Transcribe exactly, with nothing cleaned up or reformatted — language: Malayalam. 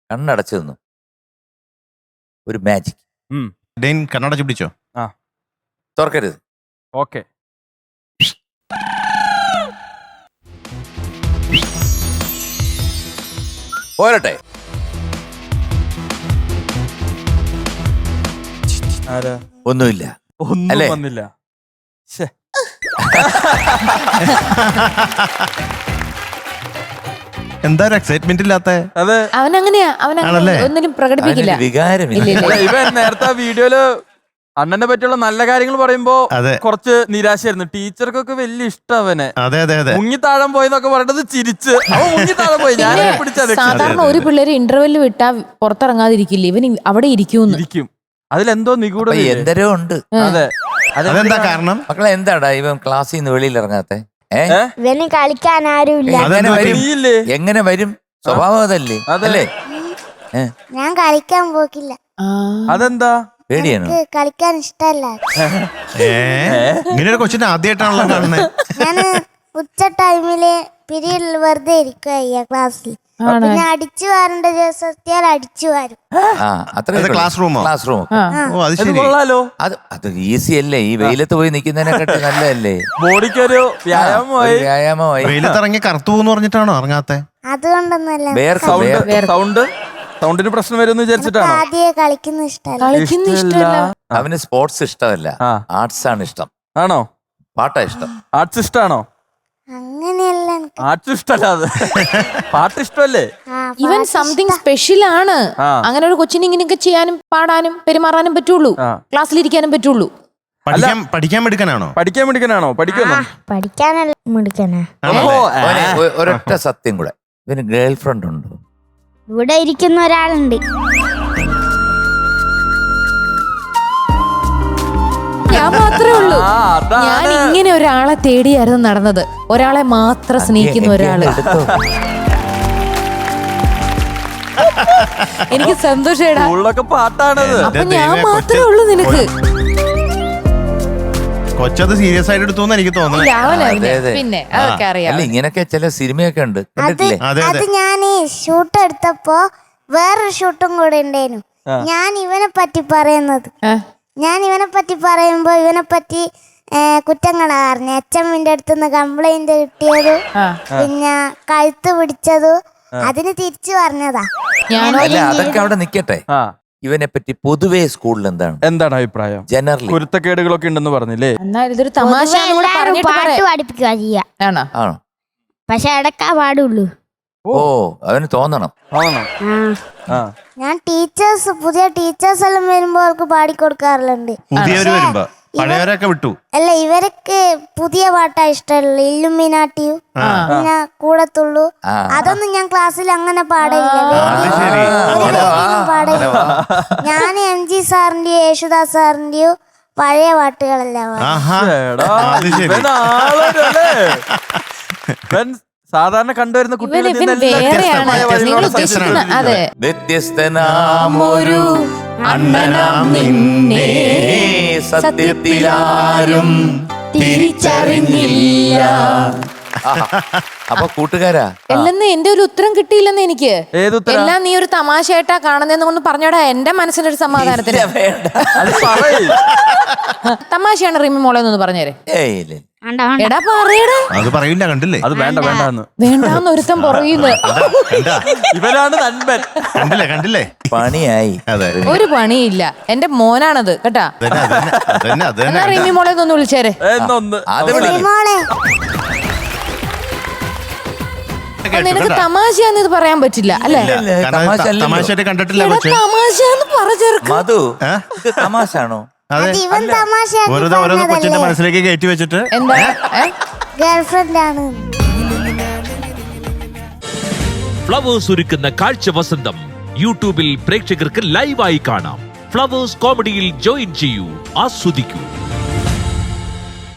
കണ്ണടച്ചു നിന്നു. ഒരു മാജിക്. ഡെയിൻ കണ്ണടച്ച് പിടിച്ചോ. ആ തുറക്കരുത്. ഓക്കെ. പോരട്ടെ. ആരാ? ഒന്നുമില്ല. ഒന്നും വന്നില്ല. എന്താ ഒരു എക്സൈറ്റ്മെന്റ് ഇല്ലാത്ത? അതെ, അവനങ്ങനെയാ. അവൻ ഒന്നിനും പ്രകടിപ്പിക്കില്ല. വികാരമില്ല. ഇവൻ നേരത്തെ വീഡിയോയില് അണ്ണനെ പറ്റിയുള്ള നല്ല കാര്യങ്ങൾ പറയുമ്പോ കുറച്ച് നിരാശയായിരുന്നു. ടീച്ചർക്കൊക്കെ വലിയ ഇഷ്ടം അവനെ. അതെ അതെ അതെ. മുങ്ങിത്താഴം പോയെന്നൊക്കെ പറഞ്ഞത് ചിരിച്ച് അവൻ മുങ്ങിത്താഴം പോയി. ഞാൻ പിടിച്ചത് സാധാരണ ഒരു പിള്ളേര് ഇന്റർവെല്ലിൽ വിട്ടാ പുറത്തിറങ്ങാതിരിക്കില്ല, ഇവൻ അവിടെ ഇരിക്കും. അതിലെന്തോ നിഗൂഢ എന്തരോ ഉണ്ട്. അതെ. അതെന്താ കാരണം? മക്കളെ എന്താടാ ഇവൻ ക്ലാസ്സിൽ നിന്ന് വെളിയിൽ ഇറങ്ങാത്തെ? ഇവന് കളിക്കാൻ ആരുമില്ല. എങ്ങനെ വരും? സ്വഭാവം അതല്ലേ? അതല്ലേ? ഞാൻ കളിക്കാൻ പോക്കില്ല. അതെന്താ? പേടിയാണോ? കളിക്കാൻ ഇഷ്ടല്ല. ഇങ്ങനെ ഒരു കൊച്ചിനെ ആദ്യമായിട്ടാണല്ലോ കാണുന്നത്. ഞാന് ഉച്ച ടൈമില് പീരീഡിൽ വെറുതെ ഇരിക്കുക ക്ലാസ്സിൽ. പിന്നെ അടിച്ചു വാരേണ്ട ദിവസത്തിയാൽ അടിച്ചു വാരും. ക്ലാസ് റൂമോ? Class room. അത് അത് ഈസി അല്ലേ? ഈ വെയിലത്ത് പോയി നിൽക്കുന്നതിനെക്കാട്ടി നല്ലതല്ലേ? ബോഡിക്കൊരു വ്യായാമമായി. വ്യായാമമായി. വെയിലത്തിറങ്ങി കറുത്തു പോകുന്നു പറഞ്ഞിട്ടാണോ ഇറങ്ങാത്തെ? അതുകൊണ്ടൊന്നല്ല. സൗണ്ട് സൗണ്ടിന് പ്രശ്നം വരും വിചാരിച്ചിട്ടാണ്. ആദ്യമേ കളിക്കുന്ന ഇഷ്ടമല്ല. അവന് സ്പോർട്സ് ഇഷ്ടമല്ല, ആർട്സ് ആണ് ഇഷ്ടം. ആണോ? പാട്ടാ ഇഷ്ടം. ആർട്സ് ഇഷ്ടാണോ? അങ്ങനെയല്ല. ആർട്സ് ഇഷ്ടമല്ല, പാട്ട് ഇഷ്ടമല്ലേ? ഇവൻ സംതിങ് സ്പെഷ്യൽ ആണ്. അങ്ങനെ ഒരു കൊച്ചിനെ ഇങ്ങനെയൊക്കെ ചെയ്യാനും പാടാനും പെരുമാറാനും പറ്റുള്ളൂ, ക്ലാസ്സിലിരിക്കാനും പറ്റുള്ളൂ. പഠിക്കാൻ മിടുക്കനാണോ? പഠിക്കാൻ മിടുക്കനാണോ? പഠിക്കുന്നു. പഠിക്കാനല്ല മിടുക്കനാ. ഒരൊറ്റ സത്യം കൂടെ, ഇവന് ഗേൾ ഫ്രണ്ട് ഉണ്ടോ? ഇവിടെ ഇരിക്കുന്ന ഒരാളുണ്ട്. ഞാൻ മാത്രമേ ഉള്ളൂ. ഞാൻ ഇങ്ങനെ ഒരാളെ തേടിയായിരുന്നു നടന്നത്. ഒരാളെ മാത്രം സ്നേഹിക്കുന്ന ഒരാള്. എനിക്ക് സന്തോഷേടാ. പാട്ടാണത്. അപ്പൊ ഞാൻ മാത്രമേ ഉള്ളൂ നിനക്ക്. കൊച്ചത് സീരിയസ് ആയിട്ട് എടുത്തു എനിക്ക് തോന്നുന്നു. പിന്നെ അതൊക്കെ അറിയാം. ഇങ്ങനൊക്കെ ചില സിനിമയൊക്കെ ഉണ്ട്. അത് ഞാൻ ഷൂട്ട് എടുത്തപ്പോ വേറൊരു ഷൂട്ടും കൂടെ ഉണ്ടായിരുന്നു. ഞാൻ ഇവനെ പറ്റി പറയുന്നത് ഞാൻ ഇവനെ പറ്റി പറയുമ്പോ ഇവനെ പറ്റി കുറ്റങ്ങളാ പറഞ്ഞ. അച്ഛമ്മിന്റെ അടുത്തുനിന്ന് കംപ്ലൈന്റ് കിട്ടിയതു, പിന്നെ കഴുത്ത് പിടിച്ചതു, അതിന് തിരിച്ചു പറഞ്ഞതാ. അതൊക്കെ അവിടെ നിക്കട്ടെ. ഇവനെ പറ്റി പൊതുവേ സ്കൂളിൽ എന്താണ് എന്താണ് അഭിപ്രായം? ജനറലി കുരുത്തക്കേടുകളൊക്കെ ഉണ്ടെന്ന് പറഞ്ഞില്ലേ? ഇതൊരു തമാശ പാട്ട് പഠിപ്പിക്കുക ചെയ്യാ. പക്ഷെ ഇടക്കാ പാടുള്ളൂ. ഓ, അവന് തോന്നണം. ഞാൻ ടീച്ചേഴ്സ് പുതിയ ടീച്ചേഴ്സ് എല്ലാം വരുമ്പോ അവർക്ക് പാടിക്കൊടുക്കാറുണ്ട്. അല്ല, ഇവർക്ക് പുതിയ പാട്ടാ ഇഷ്ടമുള്ളു. ഇല്ലുമിനാട്ടിയും പിന്നെ കൂടത്തുള്ളൂ. അതൊന്നും ഞാൻ ക്ലാസ്സിൽ അങ്ങനെ പാടില്ല, പാടില്ല. ഞാൻ എം ജി സാറിന്റെയോ യേശുദാസ് സാറിന്റെയോ പഴയ പാട്ടുകളെല്ലാം സാധാരണ കണ്ടുവരുന്ന കുട്ടികൾ വ്യത്യസ്തനാമൊരു അണ്ണനാം നിന്നെ സത്യത്തിലാരും തിരിച്ചറിഞ്ഞില്ല. അപ്പൊ കൂട്ടുകാരാ, എല്ലെന്ന് എന്റെ ഒരു ഉത്തരം കിട്ടിയില്ലെന്ന് എനിക്ക്. എല്ലാം നീ ഒരു തമാശയായിട്ടാ കാണുന്നതെന്ന് ഒന്ന് പറഞ്ഞോടാ, എന്റെ മനസ്സിനൊരു സമാധാനത്തിന്. തമാശയാണ് റിമി മോളെ എന്നൊന്ന് പറഞ്ഞേരെ. എടാ പറയടാ. അത് പറയില്ല, കണ്ടില്ലേ? അത് വേണ്ട വേണ്ടെന്ന് വേണ്ടാന്ന് ഒരുത്തം പറയുന്നു. ഇവരാണ് നൻപൻ. കണ്ടില്ലേ കണ്ടില്ലേ പണിയായി. ഒരു പണിയില്ല, എന്റെ മോനാണത് കേട്ടാ. എന്നാ റിമി മോളെ ഒന്ന് വിളിച്ചേരെ. നിനക്ക് തമാശയാന്ന് ഇത് പറയാൻ പറ്റില്ല അല്ലേ? തമാശയായിട്ട് കണ്ടിട്ടില്ല. തമാശയാന്ന് പറഞ്ഞു മധു, തമാശാണോ? ഓരോന്ന് കൊച്ചിന്റെ മനസ്സിലേക്ക് കയറ്റി വെച്ചിട്ട് എന്താ ഗേൾഫ്രണ്ട് ആണ്. ഫ്ലവേഴ്സ് ഒരുക്കുന്ന കാഴ്ച വസന്തം യൂട്യൂബിൽ പ്രേക്ഷകർക്ക് ലൈവായി കാണാം. ഫ്ലവേഴ്സ് കോമഡിയിൽ ജോയിൻ ചെയ്യൂ, ആസ്വദിക്കൂ.